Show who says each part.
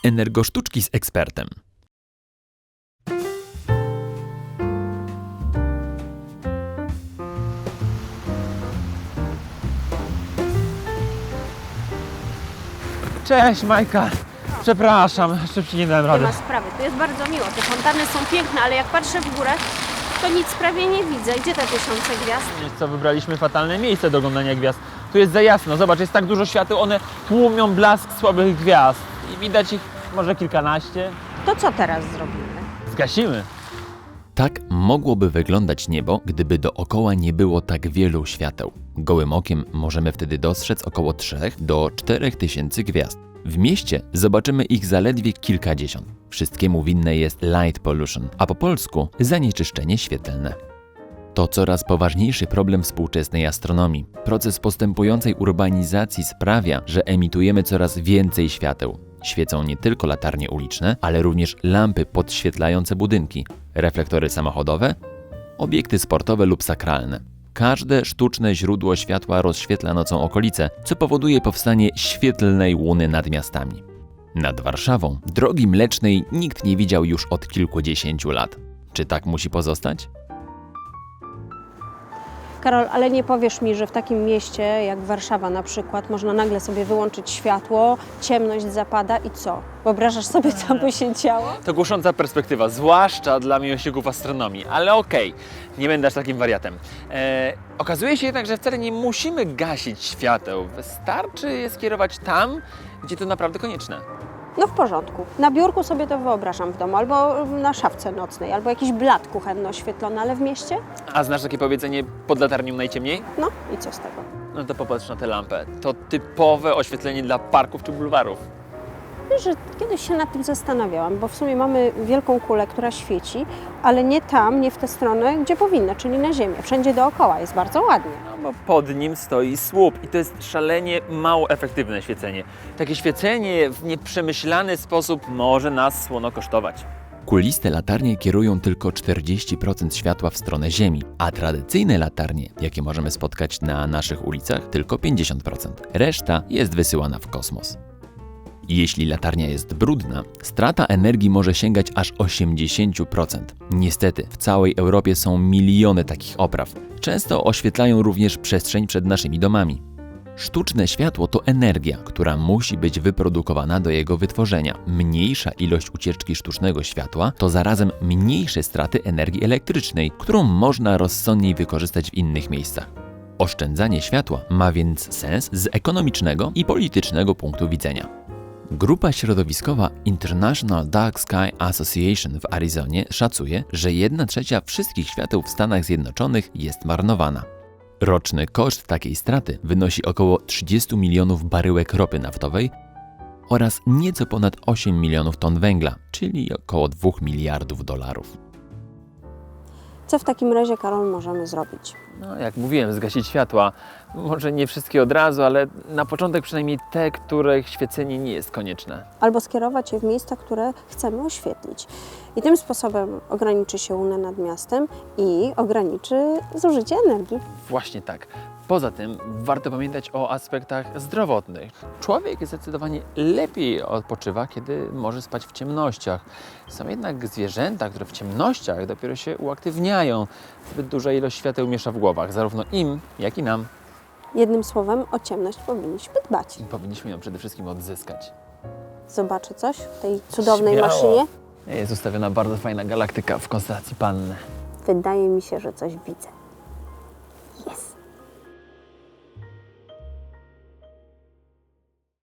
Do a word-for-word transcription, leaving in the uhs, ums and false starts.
Speaker 1: Energosztuczki z ekspertem.
Speaker 2: Cześć Majka, przepraszam, szybciej nie dałem
Speaker 3: Nie
Speaker 2: rady.
Speaker 3: ma sprawy, tu jest bardzo miło. Te fontanny są piękne, ale jak patrzę w górę, to nic prawie nie widzę. Gdzie te tysiące gwiazd?
Speaker 2: Wiesz co, wybraliśmy fatalne miejsce do oglądania gwiazd. Tu jest za jasno, zobacz, jest tak dużo świateł, one tłumią blask słabych gwiazd. I widać ich może kilkanaście.
Speaker 3: To co teraz zrobimy?
Speaker 2: Zgasimy.
Speaker 1: Tak mogłoby wyglądać niebo, gdyby dookoła nie było tak wielu świateł. Gołym okiem możemy wtedy dostrzec około trzech do czterech tysięcy gwiazd. W mieście zobaczymy ich zaledwie kilkadziesiąt. Wszystkiemu winne jest light pollution, a po polsku zanieczyszczenie świetlne. To coraz poważniejszy problem współczesnej astronomii. Proces postępującej urbanizacji sprawia, że emitujemy coraz więcej świateł. Świecą nie tylko latarnie uliczne, ale również lampy podświetlające budynki, reflektory samochodowe, obiekty sportowe lub sakralne. Każde sztuczne źródło światła rozświetla nocą okolice, co powoduje powstanie świetlnej łuny nad miastami. Nad Warszawą drogi mlecznej nikt nie widział już od kilkudziesięciu lat. Czy tak musi pozostać?
Speaker 3: Karol, ale nie powiesz mi, że w takim mieście jak Warszawa na przykład można nagle sobie wyłączyć światło, ciemność zapada i co? Wyobrażasz sobie, co by się działo?
Speaker 2: To głosząca perspektywa, zwłaszcza dla miłośników astronomii, ale okej, nie będę aż takim wariatem. E, okazuje się jednak, że wcale nie musimy gasić świateł. Wystarczy je skierować tam, gdzie to naprawdę konieczne.
Speaker 3: No w porządku. Na biurku sobie to wyobrażam w domu, albo na szafce nocnej, albo jakiś blat kuchenny oświetlony, ale w mieście?
Speaker 2: A znasz takie powiedzenie pod latarnią najciemniej?
Speaker 3: No i co z tego?
Speaker 2: No to popatrz na tę lampę. To typowe oświetlenie dla parków czy bulwarów.
Speaker 3: Wiesz, że kiedyś się nad tym zastanawiałam, bo w sumie mamy wielką kulę, która świeci, ale nie tam, nie w tę stronę, gdzie powinna, czyli na ziemię. Wszędzie dookoła jest bardzo ładnie.
Speaker 2: No bo pod nim stoi słup i to jest szalenie mało efektywne świecenie. Takie świecenie w nieprzemyślany sposób może nas słono kosztować.
Speaker 1: Kuliste latarnie kierują tylko czterdzieści procent światła w stronę Ziemi, a tradycyjne latarnie, jakie możemy spotkać na naszych ulicach, tylko pięćdziesiąt procent. Reszta jest wysyłana w kosmos. Jeśli latarnia jest brudna, strata energii może sięgać aż osiemdziesiąt procent. Niestety, w całej Europie są miliony takich opraw. Często oświetlają również przestrzeń przed naszymi domami. Sztuczne światło to energia, która musi być wyprodukowana do jego wytworzenia. Mniejsza ilość ucieczki sztucznego światła to zarazem mniejsze straty energii elektrycznej, którą można rozsądniej wykorzystać w innych miejscach. Oszczędzanie światła ma więc sens z ekonomicznego i politycznego punktu widzenia. Grupa środowiskowa International Dark Sky Association w Arizonie szacuje, że jedna trzecia wszystkich świateł w Stanach Zjednoczonych jest marnowana. Roczny koszt takiej straty wynosi około trzydzieści milionów baryłek ropy naftowej oraz nieco ponad osiem milionów ton węgla, czyli około dwóch miliardów dolarów.
Speaker 3: Co w takim razie, Karol, możemy zrobić?
Speaker 2: No, jak mówiłem, zgasić światła. Może nie wszystkie od razu, ale na początek przynajmniej te, których świecenie nie jest konieczne.
Speaker 3: Albo skierować je w miejsca, które chcemy oświetlić. I tym sposobem ograniczy się łunę nad miastem i ograniczy zużycie energii.
Speaker 2: Właśnie tak. Poza tym warto pamiętać o aspektach zdrowotnych. Człowiek zdecydowanie lepiej odpoczywa, kiedy może spać w ciemnościach. Są jednak zwierzęta, które w ciemnościach dopiero się uaktywniają. Zbyt duża ilość świateł miesza w głowach, zarówno im, jak i nam.
Speaker 3: Jednym słowem, o ciemność powinniśmy dbać.
Speaker 2: I powinniśmy ją przede wszystkim odzyskać.
Speaker 3: Zobaczę coś w tej cudownej
Speaker 2: Śmiało.
Speaker 3: maszynie.
Speaker 2: Jest ustawiona bardzo fajna galaktyka w konstelacji Panny.
Speaker 3: Wydaje mi się, że coś widzę.